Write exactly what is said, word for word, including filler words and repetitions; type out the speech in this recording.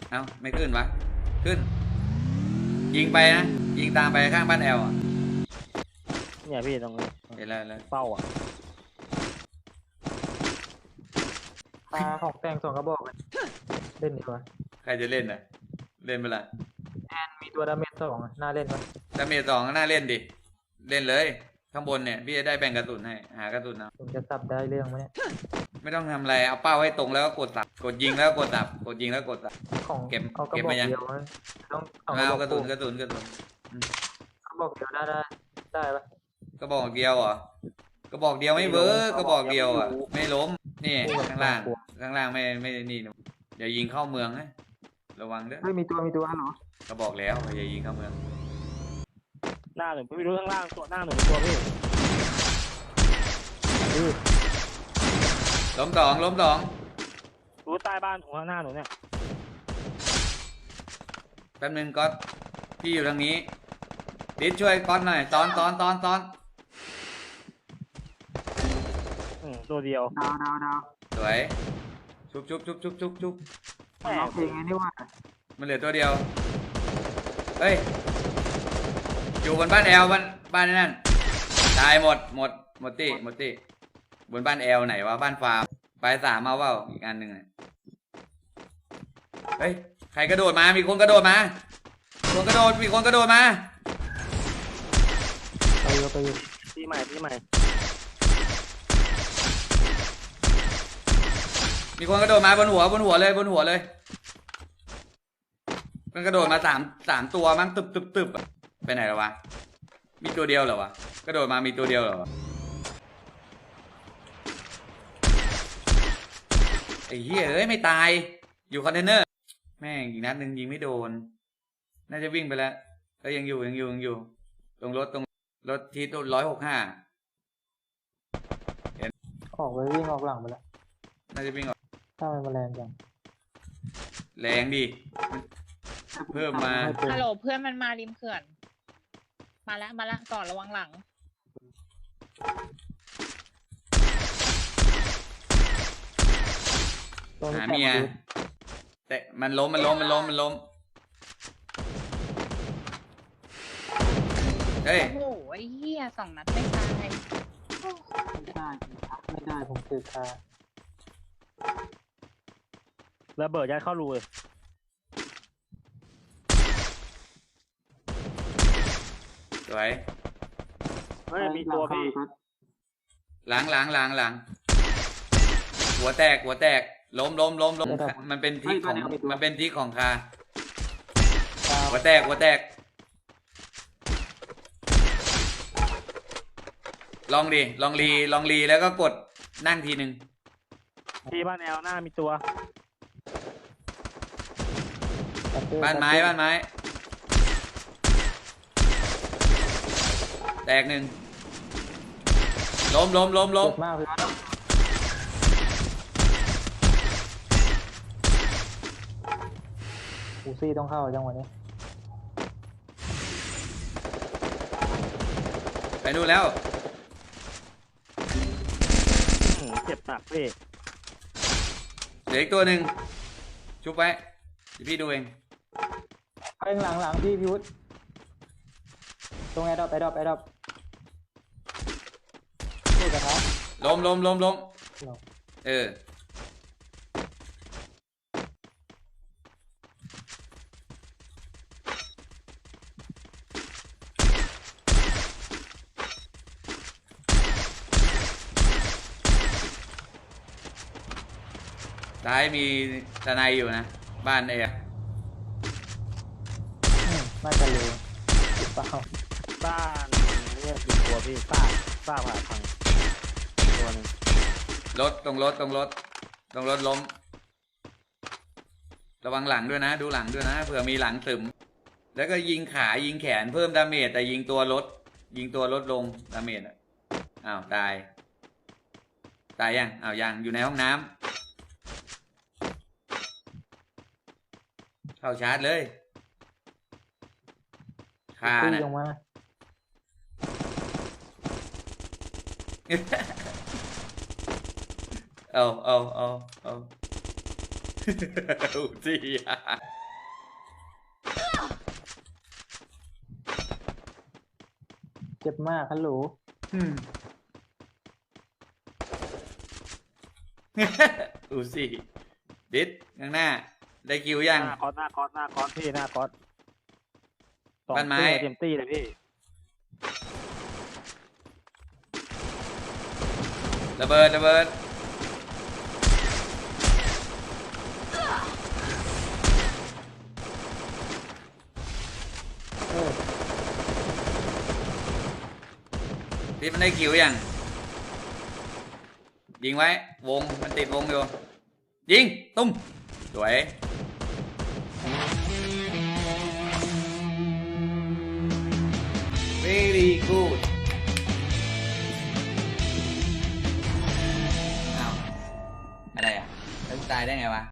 เอ้าไม่ขึ้นวะขึ้นยิงไปนะยิงตามไปข้างบ้านแอลอ่ะเนี่ยพี่ตรงนี้เห็นแล้วแล้วเป้าอ่ะปลาของแต่งสองกระบอกเล่นดีกว่าใครจะเล่นอ่ะเล่นเปล่าแอนมีตัวดาเมจสองน่าเล่นไหมดาเมจสองก็น่าเล่นดิเล่นเลยข้างบนเนี่ยพี่จะได้แบ่งกระสุนให้หากระสุนเอาผมจะสับได้เรื่องไหมเนี่ยไม่ต้องทำอะไรเอาเป้าให้ตรงแล้วก็กดสับกดยิงแล้วกดสับกดยิงแล้วกดสับของเก็บเอากระเก็บบอกมายังเดียวต้องเอาเอากกระระสุบอกนกระสุนกระสุนกระบอกเดียวได้ได้ได้ปะกระบอกเดียวเหรอกระบอกเดียวไม่เวิร์กกระบอกเดียวอ่ะไม่ล้มนี่ข้างล่างข้างล่างไม่ไม่นี่เดี๋ยวยิงเข้าเมืองนะระวังเด้อไม่มีตัวมีตัวเหรอก็บอกแล้วอย่ายิงเข้าเมืองหน้าหนึ่งไม่รู้ข้างล่างตัวหน้าหนึ่งตัวพี่ล้มสองล้มสองรู้ใต้บ้านของข้างหน้าหนูเนี่ยแป๊บนึงก๊อตพี่อยู่ทางนี้ดิดช่วยก๊อตหน่อยตอนตอนตอนตอนอืมตัวเดียวดาวดาวดาวสวยชุบชุบชุบชุบชุบชุบร้องเพลงไงนี่ว่ามันเหลือตัวเดียวเฮ้ยอยู่บนบ้านแอลบ้านบ้านนั่นตายหมดหมดหมดตี้หมดตี้บนบ้านแอลไหนวะบ้านฟาร์มไปสามเอาเปล่าอีกอันหนึ่งเฮ้ยใครกระโดดมามีคนกระโดดมาคนกระโดดมีคนกระโดดมาไปอยู่ไปอยู่ที่ใหม่ที่ใหม่มีคนกระโดดมาบนหัวบนหัวเลยบนหัวเลยมันกระโดดมาสามสามตัวมั้งตึบตึบตึบไปไหนแล้ววะมีตัวเดียวเหรอวะกระโดดมามีตัวเดียวเหรอไอ้เหี้ยเอ้ยไม่ตายอยู่คอนเทนเนอร์แม่งอีกนัดหนึ่งยิงไม่โดนน่าจะวิ่งไปแล้วก็ยังอยู่ยังอยู่ยังอยู่ตรงรถตรงรถที่ตัวร้อยหกห้าออกไปวิ่งออกหลังไปแล้วน่าจะวิ่งออกถ้ามันแรงจังแรงดิเพิ่มมาฮัลโหลเพื่อนมันมาริมเขื่อนมาแล้วมาแล้วก่อนระวังหลังหาเมียแต่มันล้มมันล้มมันล้มมันล้มเฮ้ยโอ้โหไอ้เหี้ยสองนัดไม่ตายไม่ได้ไม่ได้ผมคือคาระเบิดยัดเข้ารูเลยสวยเฮ้ยมีตัวพี่หลังหลังหลังหลังหัวแตกหัวแตกล้มล้มล้มล้มมันเป็นที่ของมันเป็นที่ของคาหัวแตกหัวแตกลองดิลองรีลองรีแล้วก็กดนั่งทีหนึ่งที่บ้านแอลหน้ามีตัวบ้านไม้บ้านไม้แตกหนึ่งล้มล้มล้มล้มอูซี่ต้องเข้าจังหวะนี้ไปดูแล้วเจ็บหนักพี่เหลืออีกตัวหนึ่งชุบไว้พี่ดูเองเองหลังหลังพี่พิวุฒตรงแอร์ดรอปแอร์ดรอปแอร์ดรอปพูดกันนะล้มล้มล้มล้มเออซ้ายมีทนายอยู่นะบ้านเอ๋น่าจะเลยติดเปล่าบ้านเนี่ยมีตัวพี่ซากซากผ่าพังตัวนึงรถตรงรถตรงรถตรงรถล้มระวังหลังด้วยนะดูหลังด้วยนะเผื่อมีหลังตึมแล้วก็ยิงขายิงแขนเพิ่มดาเมจแต่ยิงตัวรถยิงตัวรถลงดาเมจอ่ะอ้าวตายตายยังอ้าวยังอยู่ในห้องน้ำเข้าชาร์จเลยคาน่ะเอาเอาเอาเอาจีจ็บมากฮัลโหลอืม อูสิดิสข้างหน้า ได้คิวยังหน้าคอสหน้าคอสหน้าคอสพี่หน้าคอสสองบ้านไม้ตัวเต็มตี้เลยพี่ระเบิดระเบิดดิสมันได้คิวยัง ยิงไว้ วง มันติดวงอยู่ ยิง ตุ้ม สวย very good อ้าว อะไรอ่ะแล้วตายได้ไงวะ